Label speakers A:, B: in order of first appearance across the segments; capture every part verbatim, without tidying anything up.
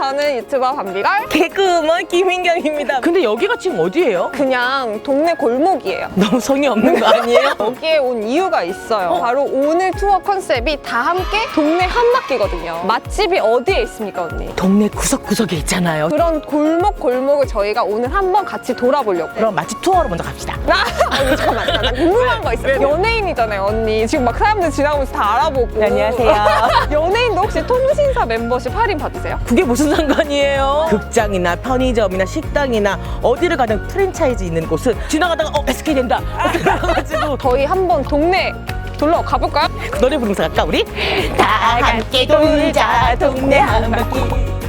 A: 저는 유튜버 밤비걸.
B: 개그우먼 김민경입니다. 근데 여기가 지금 어디예요?
A: 그냥 동네 골목이에요.
B: 너무 성의 없는 거 아니에요?
A: 여기에 온 이유가 있어요.
B: 어?
A: 바로 오늘 투어 컨셉이 다 함께 동네 한 바퀴거든요. 맛집이 어디에 있습니까, 언니?
B: 동네 구석구석에 있잖아요.
A: 그런 골목 골목을 저희가 오늘 한번 같이 돌아보려고.
B: 그럼 맛집 투어로 먼저 갑시다.
A: 나 언니 잠깐만, 나 궁금한 거 있어요. 연예인이잖아요, 언니. 지금 막 사람들 지나가면서 다 알아보고.
B: 네, 안녕하세요.
A: 연예인도 혹시 통신사 멤버십 할인 받으세요?
B: 그게 무슨 상관이에요? 극장이나 편의점이나 식당이나 어디를 가든 프랜차이즈 있는 곳은 지나가다가 어 에스케이 된다 그래가지고
A: 저희 한번 동네 돌러 가볼까요?
B: 노래 부르면서 갈까 우리? 다 함께 돌자 동네 한 바퀴.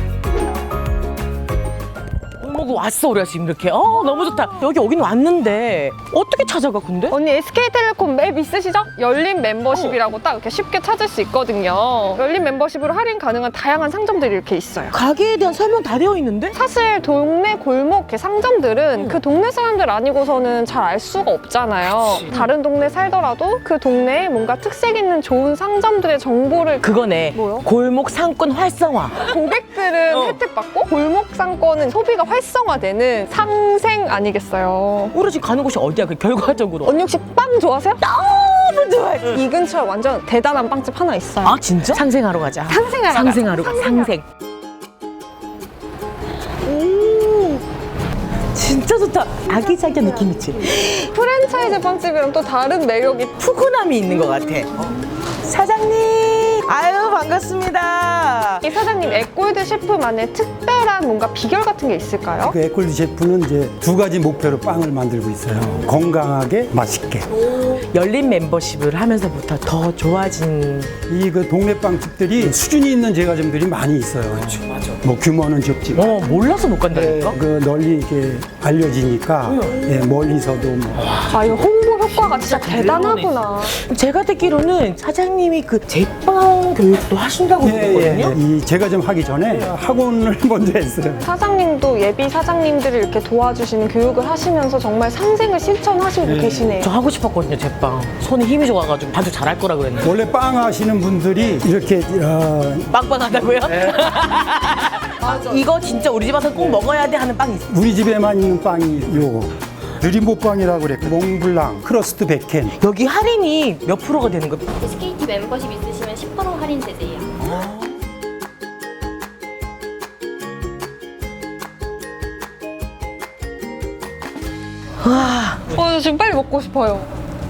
B: 골목 왔어 우리가 지금 이렇게. 어 너무 좋다. 여기 오긴 왔는데 어떻게 찾아가 근데?
A: 언니 에스케이텔레콤 맵 있으시죠? 열린 멤버십이라고 딱 이렇게 쉽게 찾을 수 있거든요. 열린 멤버십으로 할인 가능한 다양한 상점들이 이렇게 있어요.
B: 가게에 대한 설명 다 되어 있는데?
A: 사실 동네 골목 이렇게 상점들은 그 동네 사람들 아니고서는 잘 알 수가 없잖아요.
B: 그치.
A: 다른 동네 살더라도 그 동네에 뭔가 특색 있는 좋은 상점들의 정보를
B: 그거네.
A: 뭐요?
B: 골목 상권 활성화.
A: 고객들은
B: 어.
A: 혜택받고 골목 상권은 소비가 활성화되는 상생 아니겠어요?
B: 우리 지금 가는 곳이 어디야 그 결과적으로?
A: 언니 혹시 빵 좋아하세요?
B: 너무 좋아해.
A: 이 근처에 완전 대단한 빵집 하나 있어요.
B: 아 진짜? 상생하러 가자.
A: 상생하러
B: 상생하러
A: 가자.
B: 가. 상생. 오, 진짜 좋다. 아기자기한 느낌 있지?
A: 프랜차이즈 빵집이랑 또 다른 매력이
B: 푸근함이 있는 것 같아. 사장님, 아유 반갑습니다.
A: 이 사장님 에골드 셰프만의 특별한 뭔가 비결 같은 게 있을까요?
C: 그 에콜드 셰프는 이제 두 가지 목표로 빵을 만들고 있어요. 건강하게, 맛있게.
B: 열린 멤버십을 하면서부터 더 좋아진.
C: 이 그 동네 빵집들이 수준이 있는 제과점들이 많이 있어요.
B: 맞아.
C: 뭐 규모는 적지만
B: 어 몰라서 못 간다니까.
C: 그 널리 이렇게 알려지니까 예, 멀리서도 뭐
A: 아, 이거 홍보 효과가 진짜 대단하구나.
B: 제가 듣기로는 사장님이 그 제빵 교육도 하신다고
C: 예, 예,
B: 들었거든요.
C: 예. 이 제과점 하기 전에 학원을 먼저 했어요.
A: 사장님도 예비 사장님들을 이렇게 도와주시는 교육을 하시면서 정말 상생을 실천하시고
C: 네.
A: 계시네요.
B: 저 하고 싶었거든요 제빵. 손에 힘이 좋아가지고 반죽 잘할 거라 그랬는데.
C: 원래 빵 하시는 분들이 이렇게 어,
B: 빵빵하다고요? 이거 진짜 우리 집 와서 꼭 먹어야 돼 하는 빵이 있어.
C: 우리 집에만 있는 빵이 요거 느림보빵이라고 그래. 몽블랑, 크러스트 백켄.
B: 여기 할인이 몇 프로가 되는 거예요?
D: 에스케이티 멤버십 있으시면 십 퍼센트 할인되세요.
B: 와,
A: 어, 저 지금 빨리 먹고 싶어요.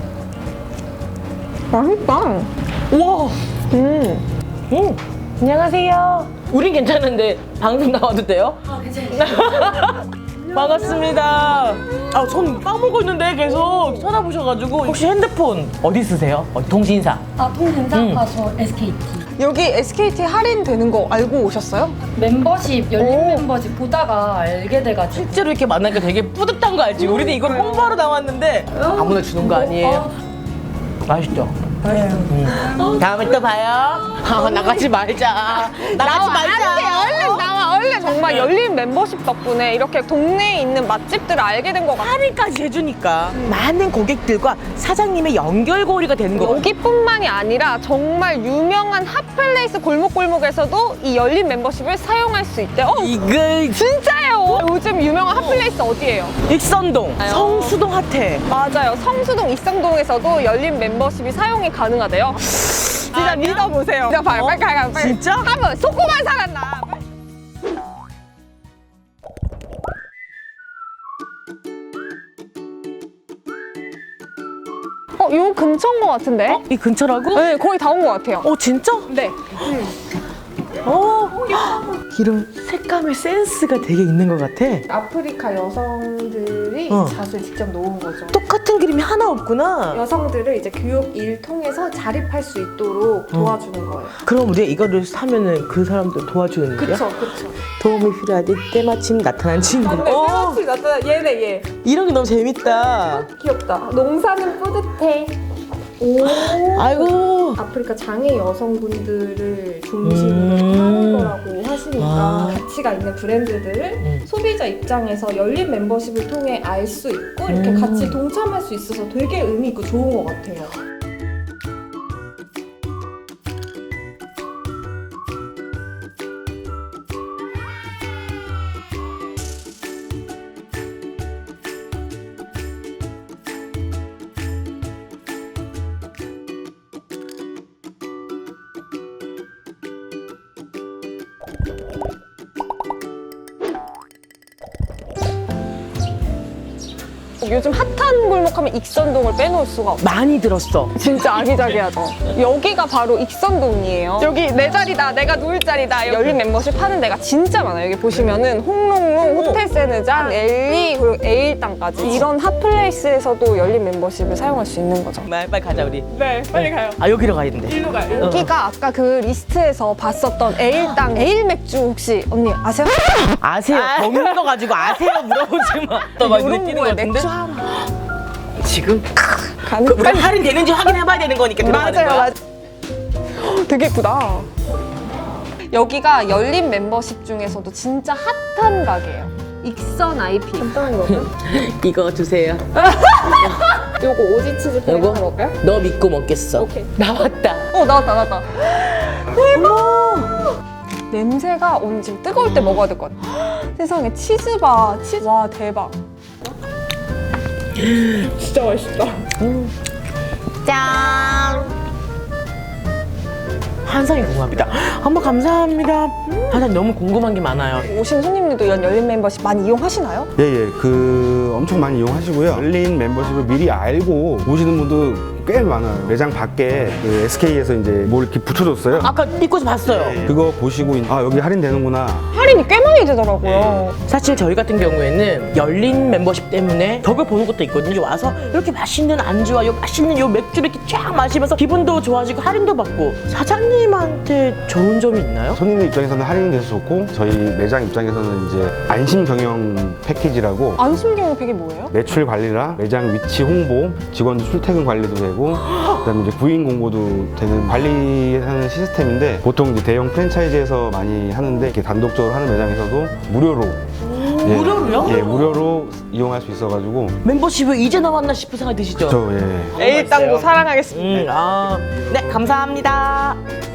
A: 맛있다.
B: 우와.
A: 음.
B: 음. 안녕하세요. 우린 괜찮은데 방송 나와도 돼요?
D: 아, 괜찮아요.
B: 반갑습니다. 아, 손 빵 먹고 있는데 계속 쳐다보셔가지고. 혹시 핸드폰 어디 쓰세요? 어디 통신사?
D: 아, 통신사?
B: 음.
D: 아, 저 에스케이티.
A: 여기 에스케이티 할인되는 거 알고 오셨어요?
D: 멤버십, 열린
A: 오.
D: 멤버십 보다가 알게 돼가지고.
B: 실제로 이렇게 만나니까 되게 뿌듯한 거 알지? 우리는 이걸 홍보하러 나왔는데 아무나 주는 거 아니에요? 맛있죠? 음. 다음에 또 봐요. 아, 나가지 말자. 나가지 말자.
A: 안 돼, 얼른 나와, 얼른. 정말 열린 멤버십 덕분에 이렇게 동네에 있는 맛집들을 알게 된 것 같아요.
B: 할인까지 해주니까 많은 고객들과 사장님의 연결고리가 되는 거.
A: 여기뿐만이 아니라 정말 유명한 핫플레이스 골목골목에서도 이 열린 멤버십을 사용할 수 있대요. 어,
B: 이글
A: 진짜예요. 요즘 유명한 핫플레이스 어디예요?
B: 익선동, 성수동 핫해.
A: 맞아요. 성수동, 익성동에서도 열린 멤버십이 사용이 가능하대요. 진짜
B: 아니야?
A: 믿어보세요. 진짜 빨리,
B: 어?
A: 빨리, 빨리, 빨리.
B: 진짜?
A: 한번 속고만 살았나? 어, 요 근처인 것 같은데?
B: 어? 이 근처라고?
A: 네, 거의 다 온 것 같아요.
B: 어 진짜?
A: 네.
B: 어. 이런 색감의 센스가 되게 있는 것 같아.
A: 아프리카 여성들이
B: 어.
A: 잣을 직접 놓은 거죠.
B: 똑같은 그림이 하나 없구나.
A: 여성들을 이제 교육 일 통해서 자립할 수 있도록 도와주는 거예요.
B: 그럼 우리가 이거를 사면은 그 사람들 도와주는 거야?
A: 그쵸, 그쵸.
B: 도움이 필요할 때 때마침 나타난 친구.
A: 맞네,
B: 어,
A: 때마침 나타나. 얘네, 얘.
B: 이런 게 너무 재밌다.
A: 귀엽다. 농사는 뿌듯해. 오.
B: 아이고.
A: 아프리카 장애 여성분들을 중심으로
B: 음.
A: 하는 거라고 하시니까
B: 아.
A: 가치가 있는 브랜드들을
B: 음.
A: 소비자 입장에서 열린 멤버십을 통해 알 수 있고 이렇게
B: 음.
A: 같이 동참할 수 있어서 되게 의미 있고 좋은 것 같아요. 요즘 핫한 골목하면 익선동을 빼놓을 수가 없어.
B: 많이 들었어.
A: 진짜 아기자기하죠. 여기가 바로 익선동이에요. 여기 내 자리다, 내가 누울 자리다. 열린 멤버십 하는 데가 진짜 많아요. 여기 보시면은 홍롱롱, 호텔 세느잔, 엘리, 그리고 에일당까지 이런 핫플레이스에서도 열린 멤버십을 사용할 수 있는 거죠.
B: 빨리, 빨리 가자 우리.
A: 네, 빨리 가요.
B: 아 여기로 가야 된대.
A: 일로 가요. 여기가 아까 그 리스트에서 봤었던 에일당, 에일 맥주 혹시 언니 아세요?
B: 아세요? 먹는 거 가지고 아세요? 물어보지 마. 너막 눈에
A: 이런
B: 띄는 거
A: 거에
B: 같은데?
A: 맥주 하나
B: 지금
A: 가는
B: 그, 우리 할인 되는지 확인해봐야 되는 거니까 들어가는
A: 맞아요,
B: 거야.
A: 맞아요. 헉, 되게 예쁘다. 여기가 열린 멤버십 중에서도 진짜 핫한 가게예요. 익선 아이피. 간단한 거는?
B: 이거 주세요.
A: 요거 오지 치즈
B: 요거?
A: 페이퍼 먹을까요?
B: 너 믿고 먹겠어.
A: 오케이.
B: 나왔다.
A: 어 나왔다 나왔다. 대박. 냄새가 오늘 지금 뜨거울 때 먹어야 될 것 같아. 세상에 치즈바 치즈. 와 대박. 진짜 맛있다.
B: 짠. 한상이 궁금합니다. 한번 감사합니다. 한상 너무 궁금한 게 많아요.
A: 오신 손님들도 이런 열린 멤버십 많이 이용하시나요?
E: 예, 예. 그 엄청 많이 이용하시고요. 열린 멤버십을 미리 알고 오시는 분도 꽤 많아요. 매장 밖에 그 에스케이에서 이제 뭘 이렇게 붙여줬어요.
B: 아까 입고서 봤어요.
E: 그거 보시고 아 여기 할인되는구나.
A: 할인이 꽤 많이 되더라고요.
B: 사실 저희 같은 경우에는 열린 멤버십 때문에 덕을 보는 것도 있거든요. 와서 이렇게 맛있는 안주와 요 맛있는 요 맥주를 이렇게 쫙 마시면서 기분도 좋아지고 할인도 받고. 사장님한테 좋은 점이 있나요?
E: 손님 입장에서는 할인돼서 좋고 저희 매장 입장에서는 이제 안심 경영 패키지라고
A: 안심 경영팩이 뭐예요?
E: 매출 관리랑 매장 위치 홍보, 직원들 출퇴근 관리도 되고 그다음에 이제 구인 공고도 되는 관리하는 시스템인데 보통 이제 대형 프랜차이즈에서 많이 하는데 이렇게 단독적으로 하는 매장에서도 무료로 예,
B: 무료로요?
E: 예, 무료로 이용할 수 있어가지고
B: 멤버십이 이제 나왔나 싶은 생각이 드시죠?
E: 저 예.
A: 에일당도 사랑하겠습니다.
B: 음, 아, 네, 감사합니다.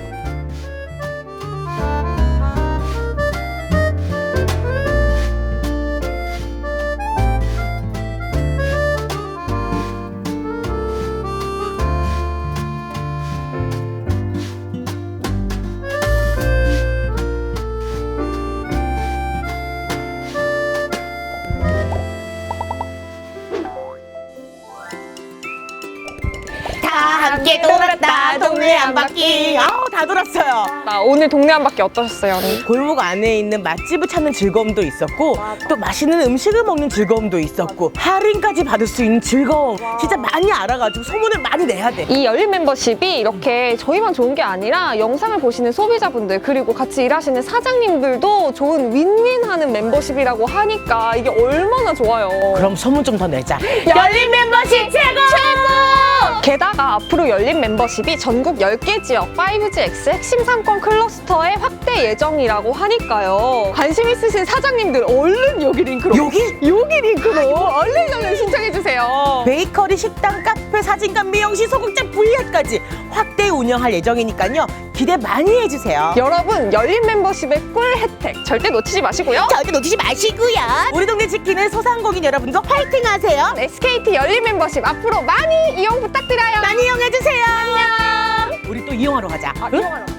B: 함께 돌았다 동네 한 바퀴. 아우 다 돌았어요.
A: 나 오늘 동네 한 바퀴 어떠셨어요, 언니?
B: 골목 안에 있는 맛집을 찾는 즐거움도 있었고 또 맛있는 음식을 먹는 즐거움도 있었고 할인까지 받을 수 있는 즐거움 진짜 많이 알아가지고 소문을 많이 내야 돼.
A: 이 열린 멤버십이 이렇게 저희만 좋은 게 아니라 영상을 보시는 소비자분들 그리고 같이 일하시는 사장님들도 좋은 윈윈하는 멤버십이라고 하니까 이게 얼마나 좋아요.
B: 그럼 소문 좀 더 내자. 열린 멤버십 최고!
A: 최고! 게다가 앞으로 열린 멤버십이 전국 열 개 지역 파이브지 엑스 핵심 상권 클러스터에 확대 예정이라고 하니까요. 관심 있으신 사장님들 얼른 여기 링크로
B: 여기?
A: 여기 링크로 얼른 얼른 신청해주세요.
B: 베이커리, 식당, 카페, 사진관, 미용실, 소극장, 브이아이까지 확대 운영할 예정이니까요. 기대 많이 해주세요.
A: 여러분 열린 멤버십의 꿀 혜택 절대 놓치지 마시고요.
B: 절대 놓치지 마시고요. 우리 동네 지키는 소상공인 여러분도 화이팅 하세요.
A: 에스케이티 열린 멤버십 앞으로 많이 이용 부탁드려요.
B: 많이 이용해주세요. 안녕. 우리 또 이용하러 가자.
A: 아,
B: 응?
A: 이용하러.